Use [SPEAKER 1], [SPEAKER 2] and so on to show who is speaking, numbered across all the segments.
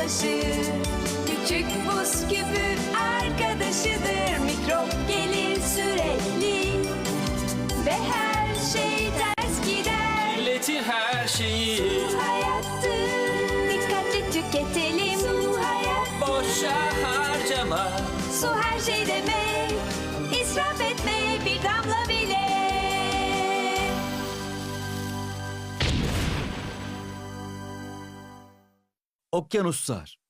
[SPEAKER 1] taşır. Küçük buz küpü arkadaşıdır. Mikrop gelir sürekli ve her şey ters gider.
[SPEAKER 2] Kirletir her şeyi.
[SPEAKER 1] Su hayattır. Dikkatli tüketelim. Su hayat.
[SPEAKER 2] Boşa harcama.
[SPEAKER 1] Su her şey demek. İsraf etme bir damla bile.
[SPEAKER 3] Okyanuslar.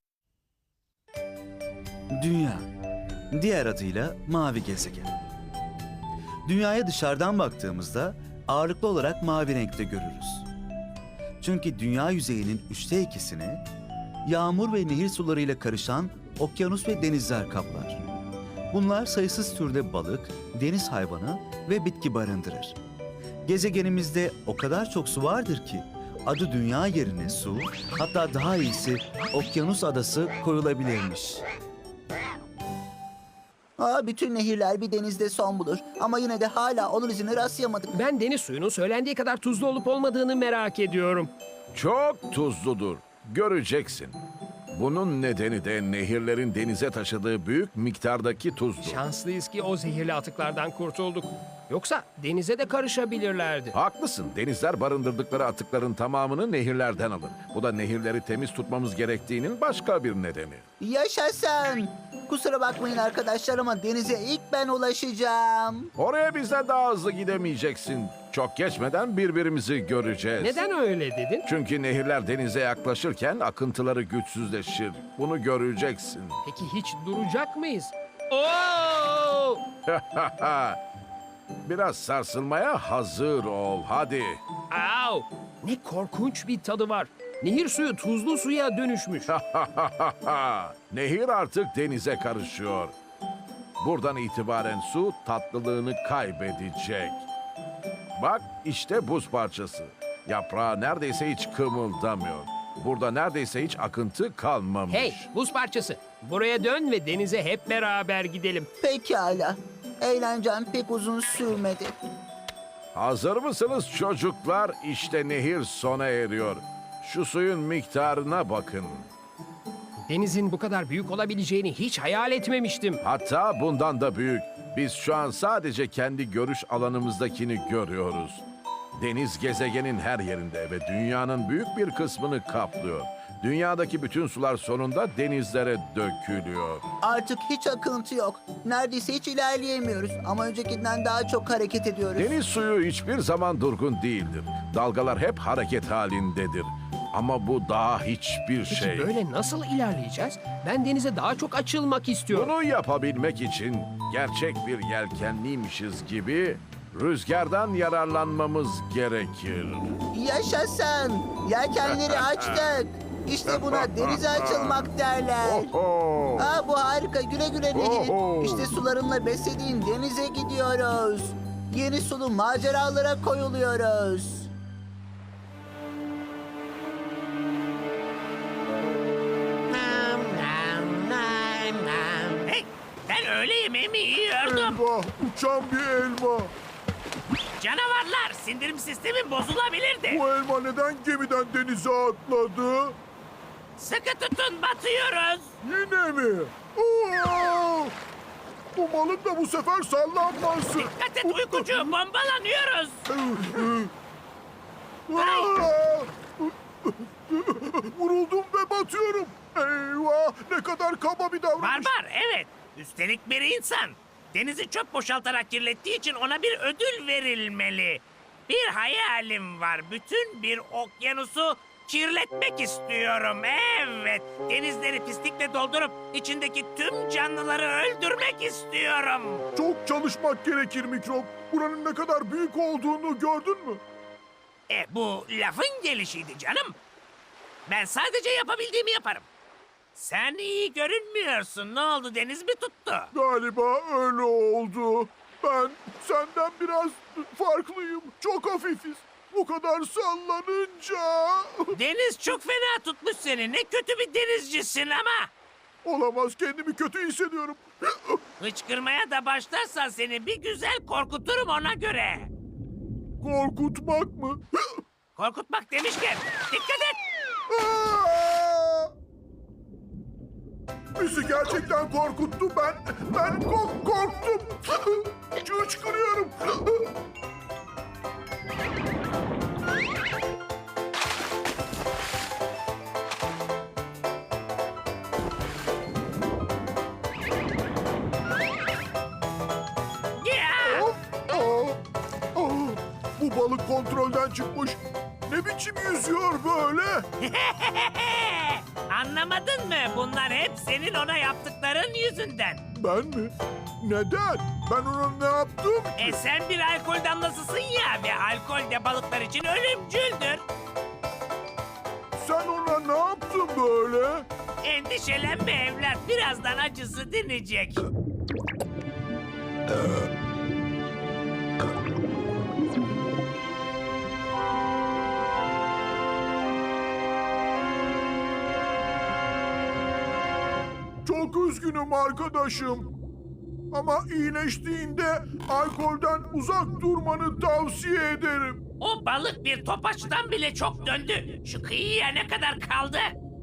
[SPEAKER 3] Dünya, diğer adıyla mavi gezegen. Dünyaya dışarıdan baktığımızda ağırlıklı olarak mavi renkte görürüz. Çünkü dünya yüzeyinin 2/3'ini yağmur ve nehir sularıyla karışan okyanus ve denizler kaplar. Bunlar sayısız türde balık, deniz hayvanı ve bitki barındırır. Gezegenimizde o kadar çok su vardır ki adı dünya yerine su, hatta daha iyisi okyanus adası koyulabilirmiş.
[SPEAKER 4] Bütün nehirler bir denizde son bulur. Ama yine de hala onun izine rastlayamadık.
[SPEAKER 5] Ben deniz suyunun söylendiği kadar tuzlu olup olmadığını merak ediyorum.
[SPEAKER 6] Çok tuzludur. Göreceksin. Bunun nedeni de nehirlerin denize taşıdığı büyük miktardaki tuzdur.
[SPEAKER 5] Şanslıyız ki o zehirli atıklardan kurtulduk. Yoksa denize de karışabilirlerdi.
[SPEAKER 6] Haklısın. Denizler barındırdıkları atıkların tamamını nehirlerden alır. Bu da nehirleri temiz tutmamız gerektiğinin başka bir nedeni.
[SPEAKER 4] Yaşasın! Kusura bakmayın arkadaşlar ama denize ilk ben ulaşacağım.
[SPEAKER 6] Oraya bizden daha hızlı gidemeyeceksin. Çok geçmeden birbirimizi göreceğiz.
[SPEAKER 5] Neden öyle dedin?
[SPEAKER 6] Çünkü nehirler denize yaklaşırken akıntıları güçsüzleşir. Bunu göreceksin.
[SPEAKER 5] Peki hiç duracak mıyız? Oo!
[SPEAKER 6] Biraz sarsılmaya hazır ol. Hadi.
[SPEAKER 5] Au! Ne korkunç bir tadı var. Nehir suyu tuzlu suya dönüşmüş.
[SPEAKER 6] Nehir artık denize karışıyor. Buradan itibaren su tatlılığını kaybedecek. Bak işte buz parçası. Yaprağı neredeyse hiç kımıldamıyor. Burada neredeyse hiç akıntı kalmamış.
[SPEAKER 5] Hey, buz parçası. Buraya dön ve denize hep beraber gidelim.
[SPEAKER 4] Pekala. Eğlencem pek uzun sürmedi.
[SPEAKER 6] Hazır mısınız çocuklar? İşte nehir sona eriyor. Şu suyun miktarına bakın.
[SPEAKER 5] Denizin bu kadar büyük olabileceğini hiç hayal etmemiştim.
[SPEAKER 6] Hatta bundan da büyük. Biz şu an sadece kendi görüş alanımızdakini görüyoruz. Deniz gezegenin her yerinde ve dünyanın büyük bir kısmını kaplıyor. Dünyadaki bütün sular sonunda denizlere dökülüyor.
[SPEAKER 4] Artık hiç akıntı yok. Neredeyse hiç ilerleyemiyoruz. Ama öncekinden daha çok hareket ediyoruz.
[SPEAKER 6] Deniz suyu hiçbir zaman durgun değildir. Dalgalar hep hareket halindedir. Ama bu daha hiçbir
[SPEAKER 5] Peki
[SPEAKER 6] şey.
[SPEAKER 5] böyle nasıl ilerleyeceğiz? Ben denize daha çok açılmak istiyorum.
[SPEAKER 6] Bunu yapabilmek için gerçek bir yelkenliymişiz gibi rüzgardan yararlanmamız gerekir.
[SPEAKER 4] Yaşasın! Yelkenleri açtık. İşte buna denize açılmak derler.
[SPEAKER 6] Oho!
[SPEAKER 4] Bu harika. Güle güle nehir.
[SPEAKER 6] Oho!
[SPEAKER 4] İşte sularınla beslediğin denize gidiyoruz. Yeni sulu maceralara koyuluyoruz.
[SPEAKER 7] Hey, ben öğle yemeğimi yiyordum.
[SPEAKER 8] Elma, uçan bir elma.
[SPEAKER 7] Canavarlar, sindirim sistemim bozulabilirdi.
[SPEAKER 8] Bu elma neden gemiden denize atladı?
[SPEAKER 7] Sıkı tutun, batıyoruz.
[SPEAKER 8] Yine mi? Aa! Bu balık da bu sefer sallanmasın.
[SPEAKER 7] Dikkat et uykucu, bombalanıyoruz.
[SPEAKER 8] Aa! Vuruldum ve batıyorum. Eyvah, ne kadar kaba bir davranış.
[SPEAKER 7] Barbar, evet. Üstelik bir insan. Denizi çöp boşaltarak kirlettiği için ona bir ödül verilmeli. Bir hayalim var. Bütün bir okyanusu kirletmek istiyorum. Evet. Denizleri pislikle doldurup içindeki tüm canlıları öldürmek istiyorum.
[SPEAKER 8] Çok çalışmak gerekir mikrop. Buranın ne kadar büyük olduğunu gördün mü?
[SPEAKER 7] Bu lafın gelişiydi canım. Ben sadece yapabildiğimi yaparım. Sen iyi görünmüyorsun. Ne oldu, deniz mi tuttu?
[SPEAKER 8] Galiba öyle oldu. Ben senden biraz farklıyım. Çok hafifiz. Bu kadar sallanınca...
[SPEAKER 7] Deniz çok fena tutmuş seni. Ne kötü bir denizcisin ama.
[SPEAKER 8] Olamaz, kendimi kötü hissediyorum.
[SPEAKER 7] Hıçkırmaya da başlarsan seni bir güzel korkuturum ona göre.
[SPEAKER 8] Korkutmak mı?
[SPEAKER 7] Korkutmak demişken dikkat et.
[SPEAKER 8] Aa! Bizi gerçekten korkuttu. Ben korktum. Hıçkırıyorum.
[SPEAKER 7] Ya!
[SPEAKER 8] Bu balık kontrolden çıkmış. Ne biçim yüzüyor böyle?
[SPEAKER 7] Anlamadın mı? Bunlar hep senin ona yaptıkların yüzünden.
[SPEAKER 8] Ben mi? Neden? Ben ona ne yaptım?
[SPEAKER 7] Sen bir alkol damlasısın ya ve alkol de balıklar için ölümcüldür.
[SPEAKER 8] Sen ona ne yaptın böyle?
[SPEAKER 7] Endişelenme evlat, birazdan acısı dinecek.
[SPEAKER 8] Çok üzgünüm arkadaşım. Ama iyileştiğinde alkolden uzak durmanı tavsiye ederim.
[SPEAKER 7] O balık bir topaçtan bile çok döndü. Şu kıyıya ne kadar kaldı?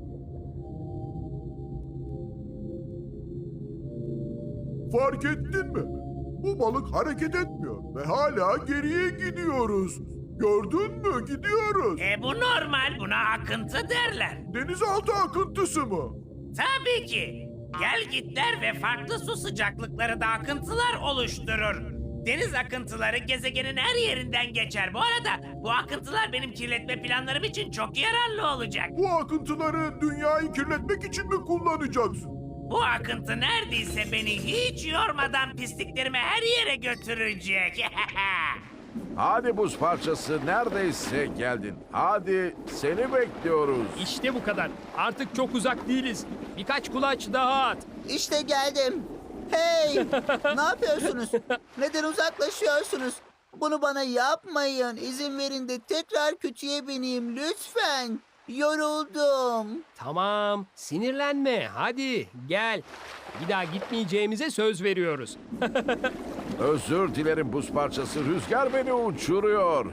[SPEAKER 8] Fark ettin mi? Bu balık hareket etmiyor ve hala geriye gidiyoruz. Gördün mü? Gidiyoruz.
[SPEAKER 7] Bu normal, buna akıntı derler.
[SPEAKER 8] Denizaltı akıntısı mı?
[SPEAKER 7] Tabii ki. Gelgitler ve farklı su sıcaklıkları da akıntılar oluşturur. Deniz akıntıları gezegenin her yerinden geçer. Bu arada bu akıntılar benim kirletme planlarım için çok yararlı olacak.
[SPEAKER 8] Bu akıntıları dünyayı kirletmek için mi kullanacaksın?
[SPEAKER 7] Bu akıntı neredeyse beni hiç yormadan pisliklerimi her yere götürecek.
[SPEAKER 6] Hadi buz parçası, neredeyse geldin. Hadi, seni bekliyoruz.
[SPEAKER 5] İşte bu kadar. Artık çok uzak değiliz. Birkaç kulaç daha at.
[SPEAKER 4] İşte geldim. Hey! Ne yapıyorsunuz? Neden uzaklaşıyorsunuz? Bunu bana yapmayın. İzin verin de tekrar kütüye bineyim lütfen. Yoruldum.
[SPEAKER 5] Tamam, sinirlenme. Hadi gel. Bir daha gitmeyeceğimize söz veriyoruz.
[SPEAKER 6] Özür dilerim buz parçası, rüzgar beni uçuruyor.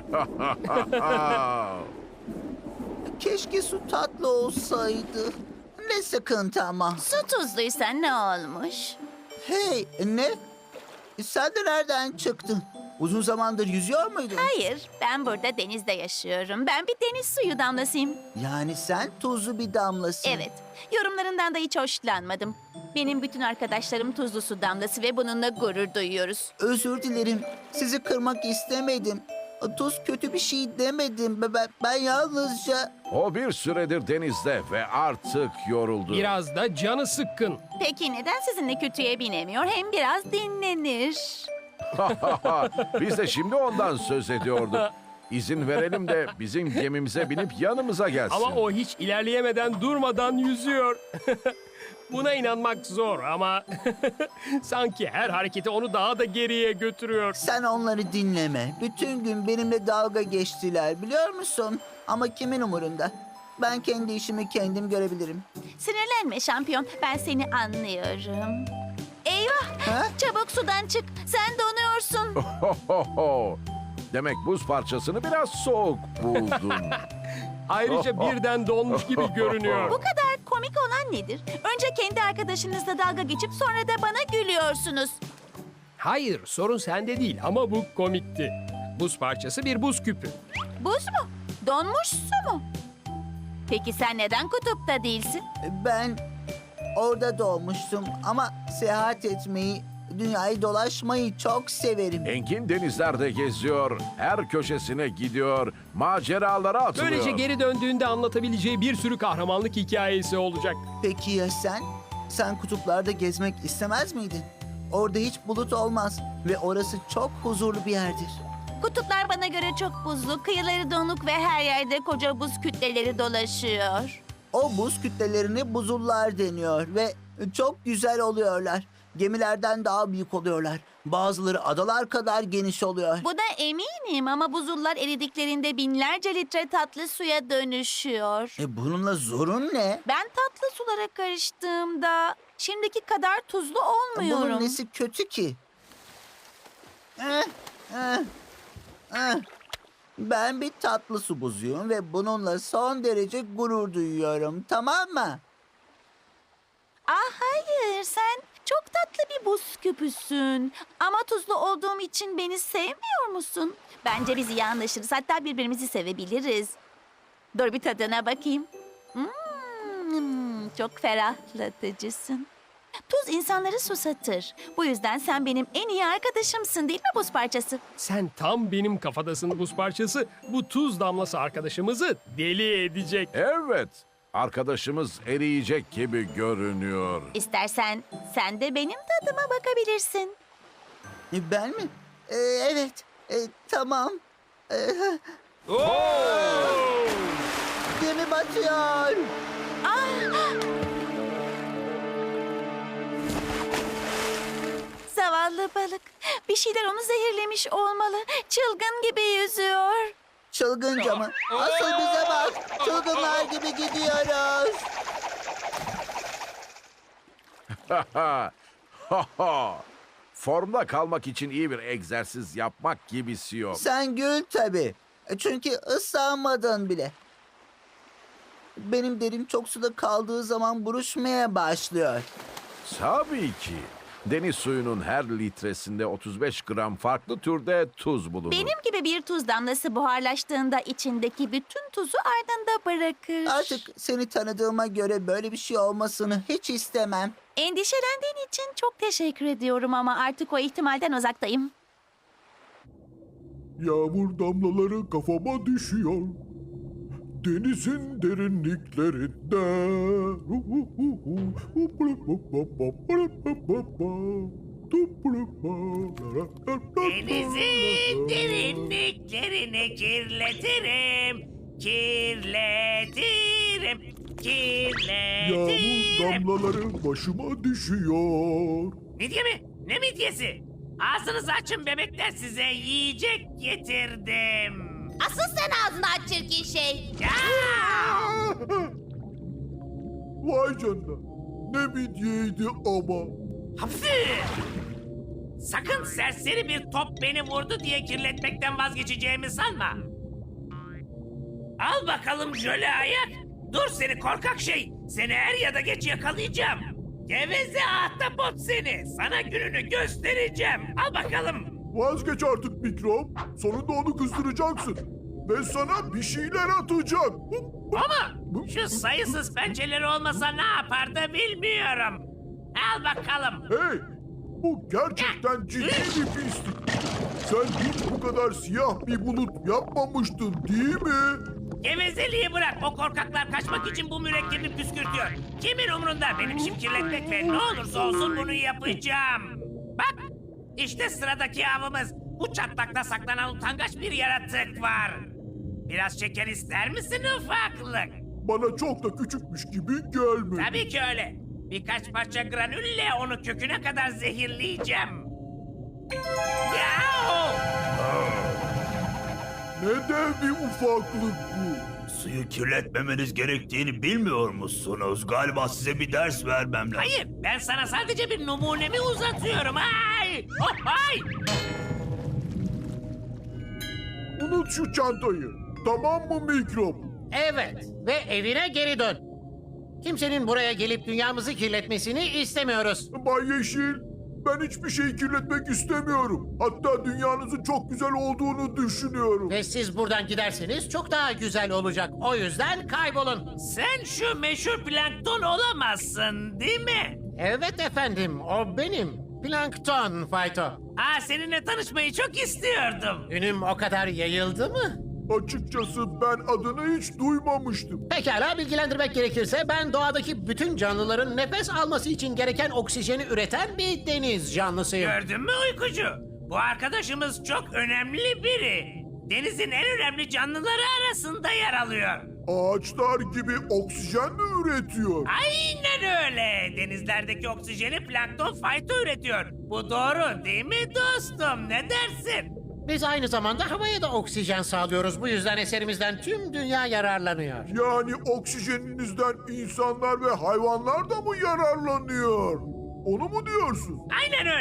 [SPEAKER 4] Keşke su tatlı olsaydı. Ne sıkıntı ama.
[SPEAKER 1] Su tuzluysa ne olmuş?
[SPEAKER 4] Hey, ne? Sen de nereden çıktın? Uzun zamandır yüzüyor muydun?
[SPEAKER 1] Hayır, ben burada denizde yaşıyorum. Ben bir deniz suyu damlasıyım.
[SPEAKER 4] Yani sen tuzlu bir damlasın.
[SPEAKER 1] Evet, yorumlarından da hiç hoşlanmadım. Benim bütün arkadaşlarım tuzlu su damlası ve bununla gurur duyuyoruz.
[SPEAKER 4] Özür dilerim. Sizi kırmak istemedim. Tuz kötü bir şey demedim. Ben yalnızca...
[SPEAKER 6] O bir süredir denizde ve artık yoruldu.
[SPEAKER 5] Biraz da canı sıkkın.
[SPEAKER 1] Peki neden sizinle kütüye binemiyor? Hem biraz dinlenir.
[SPEAKER 6] Biz de şimdi ondan söz ediyorduk. İzin verelim de bizim gemimize binip yanımıza gelsin.
[SPEAKER 5] Ama o hiç ilerleyemeden durmadan yüzüyor. Buna inanmak zor ama sanki her hareketi onu daha da geriye götürüyor.
[SPEAKER 4] Sen onları dinleme. Bütün gün benimle dalga geçtiler biliyor musun? Ama kimin umurunda? Ben kendi işimi kendim görebilirim.
[SPEAKER 1] Sinirlenme şampiyon, ben seni anlıyorum. Eyvah,
[SPEAKER 4] Ha?
[SPEAKER 1] çabuk sudan çık. Sen donuyorsun.
[SPEAKER 6] Demek buz parçasını biraz soğuk buldun.
[SPEAKER 5] Ayrıca birden donmuş gibi görünüyor.
[SPEAKER 1] Bu kadar komik olan nedir? Önce kendi arkadaşınızla dalga geçip sonra da bana gülüyorsunuz.
[SPEAKER 5] Hayır, sorun sende değil ama bu komikti. Buz parçası bir buz küpü.
[SPEAKER 1] Buz mu? Donmuş su mu? Peki sen neden kutupta değilsin?
[SPEAKER 4] Ben orada doğmuştum ama seyahat etmeyi, dünyayı dolaşmayı çok severim.
[SPEAKER 6] Engin denizlerde geziyor, her köşesine gidiyor, maceralara atılıyor.
[SPEAKER 5] Böylece geri döndüğünde anlatabileceği bir sürü kahramanlık hikayesi olacak.
[SPEAKER 4] Peki ya sen? Sen kutuplarda gezmek istemez miydin? Orada hiç bulut olmaz ve orası çok huzurlu bir yerdir.
[SPEAKER 1] Kutuplar bana göre çok buzlu, kıyıları donuk ve her yerde koca buz kütleleri dolaşıyor.
[SPEAKER 4] O buz kütlelerine buzullar deniyor ve çok güzel oluyorlar. Gemilerden daha büyük oluyorlar. Bazıları adalar kadar geniş oluyor.
[SPEAKER 1] Buna eminim ama buzullar eridiklerinde binlerce litre tatlı suya dönüşüyor.
[SPEAKER 4] Bununla zorun ne?
[SPEAKER 1] Ben tatlı sulara karıştığımda şimdiki kadar tuzlu olmuyorum.
[SPEAKER 4] Bunun nesi kötü ki? Ben bir tatlı su buzuyum ve bununla son derece gurur duyuyorum, tamam mı?
[SPEAKER 1] Hayır, sen çok tatlı bir buz küpüsün. Ama tuzlu olduğum için beni sevmiyor musun? Bence biz iyi anlaşırız, hatta birbirimizi sevebiliriz. Dur bir tadına bakayım. Çok ferahlatıcısın. Tuz insanları susatır. Bu yüzden sen benim en iyi arkadaşımsın, değil mi buz parçası?
[SPEAKER 5] Sen tam benim kafadasın buz parçası. Bu tuz damlası arkadaşımızı deli edecek.
[SPEAKER 6] Evet, arkadaşımız eriyecek gibi görünüyor.
[SPEAKER 1] İstersen sen de benim tadıma bakabilirsin.
[SPEAKER 4] Ben mi? Evet. Tamam. Gemi batıyor.
[SPEAKER 1] Zavallı balık. Bir şeyler onu zehirlemiş olmalı. Çılgın gibi yüzüyor.
[SPEAKER 4] Çılgınca mı? Asıl bize bak. Çılgınlar gibi gidiyoruz.
[SPEAKER 6] Formda kalmak için iyi bir egzersiz yapmak gibisi yok.
[SPEAKER 4] Sen gül tabii. Çünkü ıslanmadın bile. Benim derim çok suda kaldığı zaman buruşmaya başlıyor.
[SPEAKER 6] Tabii ki. Deniz suyunun her litresinde 35 gram farklı türde tuz bulunur.
[SPEAKER 1] Benim gibi bir tuz damlası buharlaştığında içindeki bütün tuzu ardında bırakır.
[SPEAKER 4] Artık seni tanıdığıma göre böyle bir şey olmasını hiç istemem.
[SPEAKER 1] Endişelendiğin için çok teşekkür ediyorum ama artık o ihtimalden uzaktayım.
[SPEAKER 8] Yağmur damlaları kafama düşüyor. Denizin derinliklerinde.
[SPEAKER 7] Denizin derinliklerini kirletirim. Kirletirim.
[SPEAKER 8] Yağmur
[SPEAKER 7] Kirletirim.
[SPEAKER 8] damlaları başıma düşüyor.
[SPEAKER 7] Midye mi? Ne midyesi? Ağzınızı açın bebekler, size yiyecek getirdim.
[SPEAKER 1] Asıl sen ağzını aç çirkin şey.
[SPEAKER 7] Ya!
[SPEAKER 8] Vay canına. Ne midyeydi ama.
[SPEAKER 7] Hapsi! Sakın serseri bir top beni vurdu diye kirletmekten vazgeçeceğimi sanma. Al bakalım jöle ayak. Dur seni korkak şey. Seni er ya da geç yakalayacağım. Geveze ahtapot seni. Sana gününü göstereceğim. Al bakalım.
[SPEAKER 8] Vazgeç artık mikrop. Sonunda onu kızdıracaksın. Ve sana bir şeyler atacak.
[SPEAKER 7] Ama şu sayısız pençeleri olmasa ne yapardı bilmiyorum. Al bakalım.
[SPEAKER 8] Hey! Bu gerçekten ciddi bir pislik. Sen hiç bu kadar siyah bir bulut yapmamıştın değil mi?
[SPEAKER 7] Gevezeliği bırak. O korkaklar kaçmak için bu mürekkebi püskürtüyor. Kimin umrunda benim işim kirletmek ve ne olursa olsun bunu yapacağım. Bak işte sıradaki avımız. Bu çatlakta saklanan utangaç bir yaratık var. Biraz şeker ister misin ufaklık?
[SPEAKER 8] Bana çok da küçükmüş gibi gelmedi.
[SPEAKER 7] Tabii ki öyle. Birkaç parça granülle onu köküne kadar zehirleyeceğim. Yahu!
[SPEAKER 8] Ne dev bir ufaklık bu.
[SPEAKER 9] Suyu kirletmemeniz gerektiğini bilmiyor musunuz? Galiba size bir ders vermem lazım.
[SPEAKER 7] Hayır, ben sana sadece bir numunemi uzatıyorum. Ay! Oh, ay!
[SPEAKER 8] Unut şu çantayı. Tamam mı mikrop?
[SPEAKER 10] Evet ve evine geri dön. Kimsenin buraya gelip dünyamızı kirletmesini istemiyoruz.
[SPEAKER 8] Bay Yeşil, ben hiçbir şey kirletmek istemiyorum. Hatta dünyanızın çok güzel olduğunu düşünüyorum.
[SPEAKER 10] Ve siz buradan giderseniz çok daha güzel olacak. O yüzden kaybolun.
[SPEAKER 7] Sen şu meşhur plankton olamazsın, değil mi?
[SPEAKER 10] Evet efendim, o benim. Plankton Fayto.
[SPEAKER 7] Seninle tanışmayı çok istiyordum.
[SPEAKER 10] Ünüm o kadar yayıldı mı?
[SPEAKER 8] Açıkçası ben adını hiç duymamıştım.
[SPEAKER 10] Pekala bilgilendirmek gerekirse ben doğadaki bütün canlıların nefes alması için gereken oksijeni üreten bir deniz canlısıyım.
[SPEAKER 7] Gördün mü uykucu? Bu arkadaşımız çok önemli biri. Denizin en önemli canlıları arasında yer alıyor.
[SPEAKER 8] Ağaçlar gibi oksijen mi üretiyor?
[SPEAKER 7] Aynen öyle. Denizlerdeki oksijeni plankton fayto üretiyor. Bu doğru değil mi dostum? Ne dersin?
[SPEAKER 10] Biz aynı zamanda havaya da oksijen sağlıyoruz. Bu yüzden eserimizden tüm dünya yararlanıyor.
[SPEAKER 8] Yani oksijeninizden insanlar ve hayvanlar da mı yararlanıyor? Onu mu diyorsun?
[SPEAKER 7] Aynen öyle.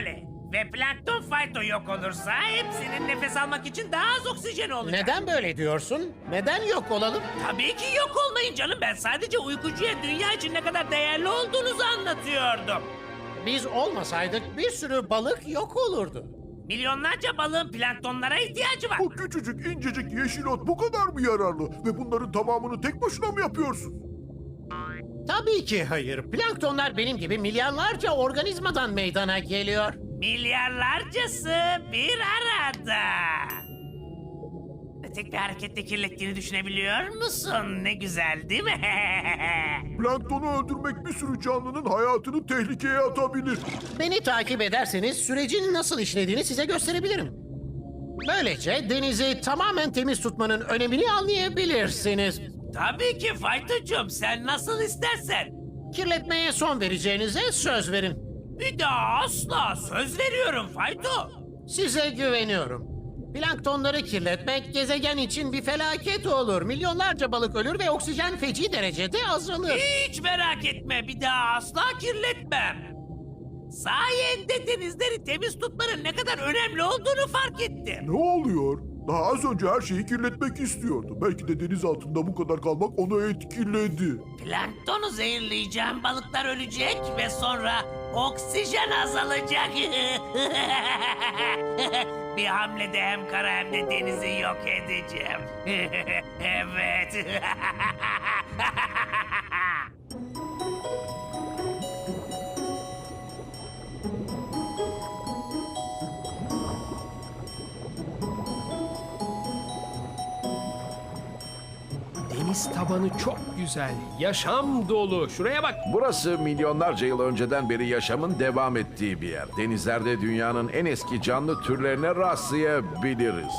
[SPEAKER 7] Ve plankton fayto yok olursa hepsinin nefes almak için daha az oksijeni olacak.
[SPEAKER 10] Neden böyle diyorsun? Neden yok olalım?
[SPEAKER 7] Tabii ki yok olmayın canım. Ben sadece uykucuya dünya için ne kadar değerli olduğunuzu anlatıyordum.
[SPEAKER 10] Biz olmasaydık bir sürü balık yok olurdu.
[SPEAKER 7] Milyonlarca balığın planktonlara ihtiyacı var.
[SPEAKER 8] Bu küçücük incecik yeşil ot bu kadar mı yararlı? Ve bunların tamamını tek başına mı yapıyorsun?
[SPEAKER 10] Tabii ki hayır. Planktonlar benim gibi milyarlarca organizmadan meydana geliyor.
[SPEAKER 7] Milyarlarcası bir arada. Tek bir harekette kirlettiğini düşünebiliyor musun? Ne güzel değil mi?
[SPEAKER 8] Planktonu öldürmek bir sürü canlının hayatını tehlikeye atabilir.
[SPEAKER 10] Beni takip ederseniz sürecin nasıl işlediğini size gösterebilirim. Böylece denizi tamamen temiz tutmanın önemini anlayabilirsiniz.
[SPEAKER 7] Tabii ki Faytocuğum, sen nasıl istersen.
[SPEAKER 10] Kirletmeye son vereceğinize söz verin.
[SPEAKER 7] Bir daha asla söz veriyorum Fayto.
[SPEAKER 10] Size güveniyorum. Planktonları kirletmek gezegen için bir felaket olur. Milyonlarca balık ölür ve oksijen feci derecede azalır.
[SPEAKER 7] Hiç merak etme, bir daha asla kirletmem. Sayende denizleri temiz tutmanın ne kadar önemli olduğunu fark ettim.
[SPEAKER 8] Ne oluyor? Daha az önce her şeyi kirletmek istiyordu. Belki de deniz altında bu kadar kalmak onu etkiledi.
[SPEAKER 7] Planktonu zehirleyeceğim, balıklar ölecek ve sonra oksijen azalacak. Bir hamlede hem kara hem de denizi yok edeceğim. Evet.
[SPEAKER 5] Deniz tabanı çok güzel, yaşam dolu. Şuraya bak.
[SPEAKER 6] Burası milyonlarca yıl önceden beri yaşamın devam ettiği bir yer. Denizlerde dünyanın en eski canlı türlerine rastlayabiliriz.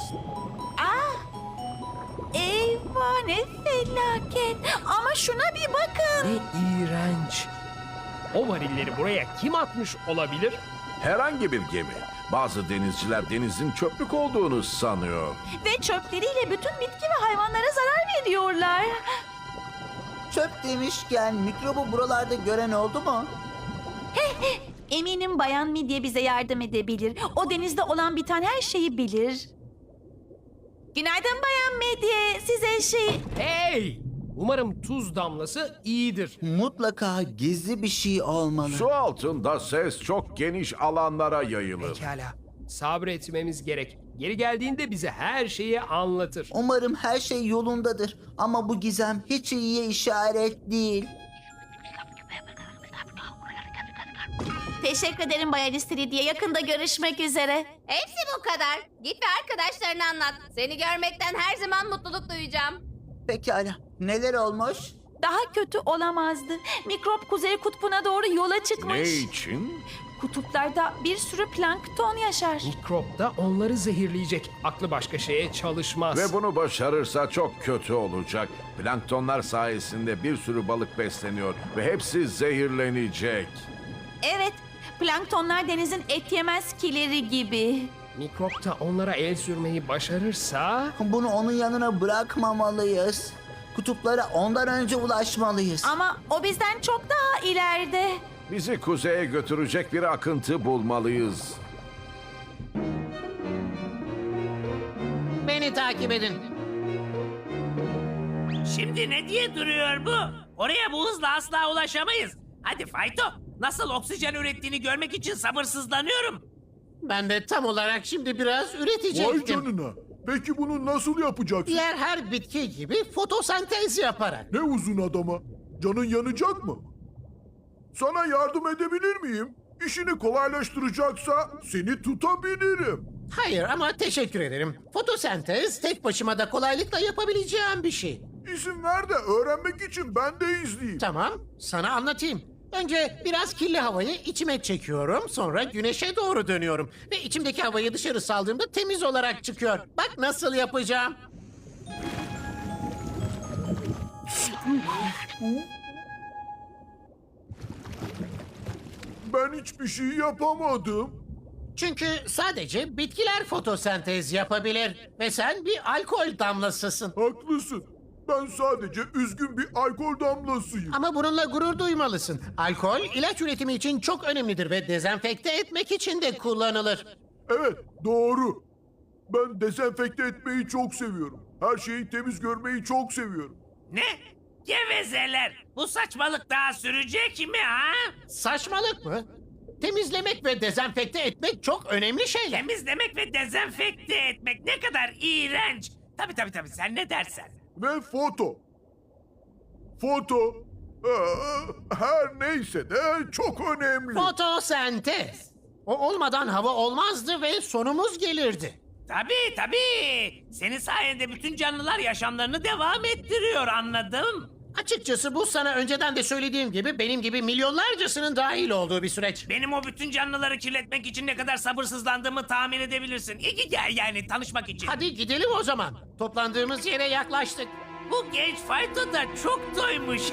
[SPEAKER 1] Eyvah ne felaket. Ama şuna bir bakın.
[SPEAKER 5] Ne iğrenç. O varilleri buraya kim atmış olabilir?
[SPEAKER 6] Herhangi bir gemi. Bazı denizciler denizin çöplük olduğunu sanıyor.
[SPEAKER 1] Ve çöpleriyle bütün bitki ve hayvanlara zarar veriyorlar.
[SPEAKER 4] Çöp demişken mikrobu buralarda gören oldu mu?
[SPEAKER 1] Eminim Bayan Midye bize yardım edebilir. O denizde olan biten her şeyi bilir. Günaydın Bayan Midye. Size
[SPEAKER 5] Hey! Umarım tuz damlası iyidir.
[SPEAKER 4] Mutlaka gizli bir şey olmalı.
[SPEAKER 6] Su altında ses çok geniş alanlara yayılır.
[SPEAKER 5] Pekala. Sabretmemiz gerek. Geri geldiğinde bize her şeyi anlatır.
[SPEAKER 4] Umarım her şey yolundadır. Ama bu gizem hiç iyiye işaret değil.
[SPEAKER 1] Teşekkür ederim Bayan İstiridye. Yakında görüşmek üzere.
[SPEAKER 11] Hepsi bu kadar. Git ve arkadaşlarına anlat. Seni görmekten her zaman mutluluk duyacağım.
[SPEAKER 4] Pekala. Neler olmuş?
[SPEAKER 1] Daha kötü olamazdı. Mikrop Kuzey Kutbu'na doğru yola çıkmış.
[SPEAKER 6] Ne için?
[SPEAKER 1] Kutuplarda bir sürü plankton yaşar.
[SPEAKER 5] Mikrop da onları zehirleyecek. Aklı başka şeye çalışmaz.
[SPEAKER 6] Ve bunu başarırsa çok kötü olacak. Planktonlar sayesinde bir sürü balık besleniyor ve hepsi zehirlenecek.
[SPEAKER 1] Evet, planktonlar denizin et yemez kileri gibi.
[SPEAKER 5] Mikrop da onlara el sürmeyi başarırsa...
[SPEAKER 4] Bunu onun yanına bırakmamalıyız. Kutuplara ondan önce ulaşmalıyız.
[SPEAKER 1] Ama o bizden çok daha ileride.
[SPEAKER 6] Bizi kuzeye götürecek bir akıntı bulmalıyız.
[SPEAKER 10] Beni takip edin.
[SPEAKER 7] Şimdi ne diye duruyor bu? Oraya bu hızla asla ulaşamayız. Hadi Fayto, nasıl oksijen ürettiğini görmek için sabırsızlanıyorum.
[SPEAKER 10] Ben de tam olarak şimdi biraz
[SPEAKER 8] Vay
[SPEAKER 10] üretecektim.
[SPEAKER 8] canına. Peki bunu nasıl yapacaksın?
[SPEAKER 10] Diğer her bitki gibi fotosentez yaparak.
[SPEAKER 8] Ne uzun adama. Canın yanacak mı? Sana yardım edebilir miyim? İşini kolaylaştıracaksa seni tutabilirim.
[SPEAKER 10] Hayır ama teşekkür ederim. Fotosentez tek başıma da kolaylıkla yapabileceğim bir şey.
[SPEAKER 8] İzin ver de öğrenmek için ben de izleyeyim.
[SPEAKER 10] Tamam, sana anlatayım. Önce biraz kirli havayı içime çekiyorum, sonra güneşe doğru dönüyorum. Ve içimdeki havayı dışarı saldığımda temiz olarak çıkıyor. Bak nasıl yapacağım.
[SPEAKER 8] Ben hiçbir şey yapamadım.
[SPEAKER 10] Çünkü sadece bitkiler fotosentez yapabilir. Ve sen bir alkol damlasısın.
[SPEAKER 8] Haklısın. Ben sadece üzgün bir alkol damlasıyım.
[SPEAKER 10] Ama bununla gurur duymalısın. Alkol ilaç üretimi için çok önemlidir ve dezenfekte etmek için de kullanılır.
[SPEAKER 8] Evet, doğru. Ben dezenfekte etmeyi çok seviyorum. Her şeyi temiz görmeyi çok seviyorum.
[SPEAKER 7] Ne? Gevezeler. Bu saçmalık daha sürecek mi ha?
[SPEAKER 10] Saçmalık mı? Temizlemek ve dezenfekte etmek çok önemli şeyler.
[SPEAKER 7] Temizlemek ve dezenfekte etmek ne kadar iğrenç. Tabii sen ne dersen.
[SPEAKER 8] Ve foto. Foto, her neyse de çok önemli.
[SPEAKER 10] Fotosentez. O olmadan hava olmazdı ve sonumuz gelirdi.
[SPEAKER 7] Tabii. Senin sayende bütün canlılar yaşamlarını devam ettiriyor, anladım.
[SPEAKER 10] Açıkçası bu sana önceden de söylediğim gibi benim gibi milyonlarcasının dahil olduğu bir süreç.
[SPEAKER 7] Benim o bütün canlıları kirletmek için ne kadar sabırsızlandığımı tahmin edebilirsin. İyi gel yani tanışmak için.
[SPEAKER 10] Hadi gidelim o zaman. Toplandığımız yere yaklaştık.
[SPEAKER 7] Bu genç fayto da çok doymuş.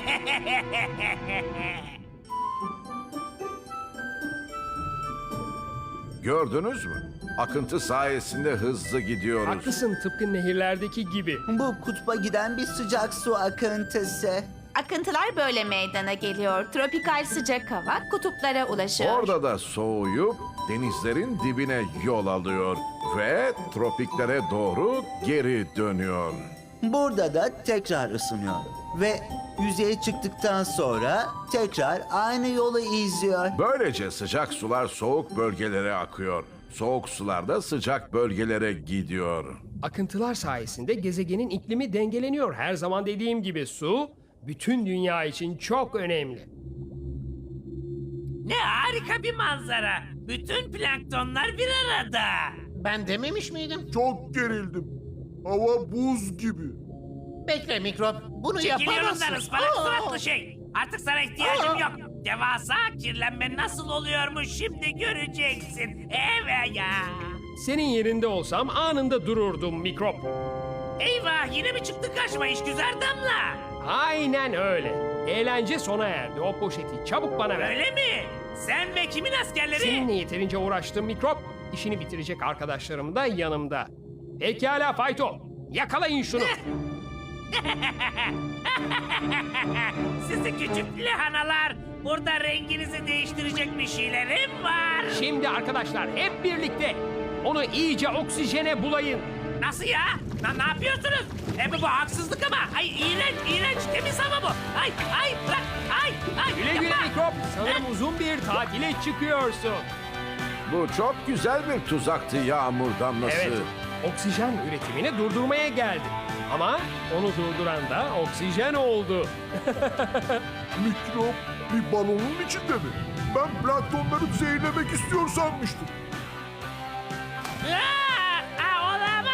[SPEAKER 6] Gördünüz mü? Akıntı sayesinde hızlı gidiyoruz.
[SPEAKER 5] Haklısın, tıpkı nehirlerdeki gibi.
[SPEAKER 4] Bu kutba giden bir sıcak su akıntısı.
[SPEAKER 1] Akıntılar böyle meydana geliyor. Tropikal sıcak hava kutuplara ulaşıyor.
[SPEAKER 6] Orada da soğuyup denizlerin dibine yol alıyor ve tropiklere doğru geri dönüyor.
[SPEAKER 4] Burada da tekrar ısınıyor. Ve yüzeye çıktıktan sonra tekrar aynı yolu izliyor.
[SPEAKER 6] Böylece sıcak sular soğuk bölgelere akıyor. Soğuk sular da sıcak bölgelere gidiyor.
[SPEAKER 5] Akıntılar sayesinde gezegenin iklimi dengeleniyor. Her zaman dediğim gibi su bütün dünya için çok önemli.
[SPEAKER 7] Ne harika bir manzara. Bütün planktonlar bir arada.
[SPEAKER 10] Ben dememiş miydim?
[SPEAKER 8] Çok gerildim. Hava buz gibi.
[SPEAKER 10] Bekle mikrop. Bunu
[SPEAKER 7] Çekil
[SPEAKER 10] yapamazsın.
[SPEAKER 7] yolundan ıspanak
[SPEAKER 10] Aa!
[SPEAKER 7] suratlı şey. Artık sana ihtiyacım yok. Devasa kirlenme nasıl oluyormuş şimdi göreceksin. Evet ya.
[SPEAKER 5] Senin yerinde olsam anında dururdum mikrop.
[SPEAKER 7] Eyvah yine mi çıktı karşıma işgüzar damla?
[SPEAKER 5] Aynen öyle. Eğlence sona erdi. O poşeti çabuk bana ver.
[SPEAKER 7] Öyle mi? Sen ve kimin askerleri?
[SPEAKER 5] Seninle yeterince uğraştım mikrop. İşini bitirecek arkadaşlarım da yanımda. Pekala Fayto. Yakalayın şunu.
[SPEAKER 7] Sizi küçük lahanalar. Burada renginizi değiştirecek bir şeylerim var.
[SPEAKER 5] Şimdi arkadaşlar hep birlikte onu iyice oksijene bulayın.
[SPEAKER 7] Nasıl ya? Ne yapıyorsunuz? Bu haksızlık ama. Ay iğrenç temiz hava bu. Ay bırak. Ay
[SPEAKER 5] Güle güle
[SPEAKER 7] yapma.
[SPEAKER 5] mikrop. Sanırım uzun bir tatile çıkıyorsun.
[SPEAKER 6] Bu çok güzel bir tuzaktı yağmur damlası.
[SPEAKER 5] Evet. Oksijen üretimini durdurmaya geldim. Ama onu durduran da oksijen oldu.
[SPEAKER 8] Mikrop bir balonun içinde mi? Ben planktonları zehirlemek istiyor sanmıştım.
[SPEAKER 7] Olamaz.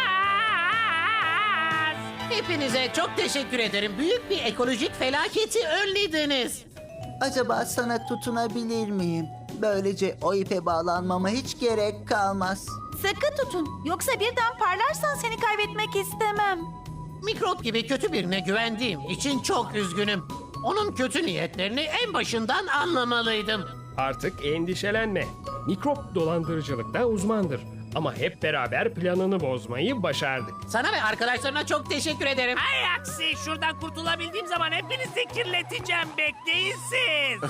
[SPEAKER 10] Hepinize çok teşekkür ederim. Büyük bir ekolojik felaketi önlediniz.
[SPEAKER 4] Acaba sana tutunabilir miyim? Böylece o ipe bağlanmama hiç gerek kalmaz.
[SPEAKER 1] Sıkı tutun. Yoksa birden parlarsan seni kaybetmek istemem.
[SPEAKER 10] Mikrop gibi kötü birine güvendiğim için çok üzgünüm. Onun kötü niyetlerini en başından anlamalıydım.
[SPEAKER 5] Artık endişelenme. Mikrop dolandırıcılıkta uzmandır. Ama hep beraber planını bozmayı başardık.
[SPEAKER 10] Sana ve arkadaşlarına çok teşekkür ederim.
[SPEAKER 7] Ay aksi şuradan kurtulabildiğim zaman hepinizi kirleteceğim bekleyin siz.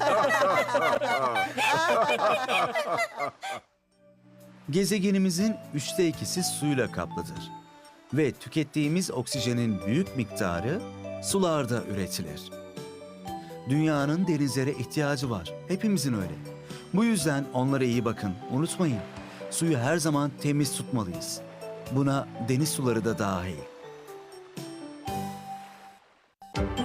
[SPEAKER 3] Gezegenimizin 2/3'ü suyla kaplıdır. Ve tükettiğimiz oksijenin büyük miktarı sularda üretilir. Dünyanın denizlere ihtiyacı var. Hepimizin öyle. Bu yüzden onlara iyi bakın. Unutmayın. Suyu her zaman temiz tutmalıyız. Buna deniz suları da dahil.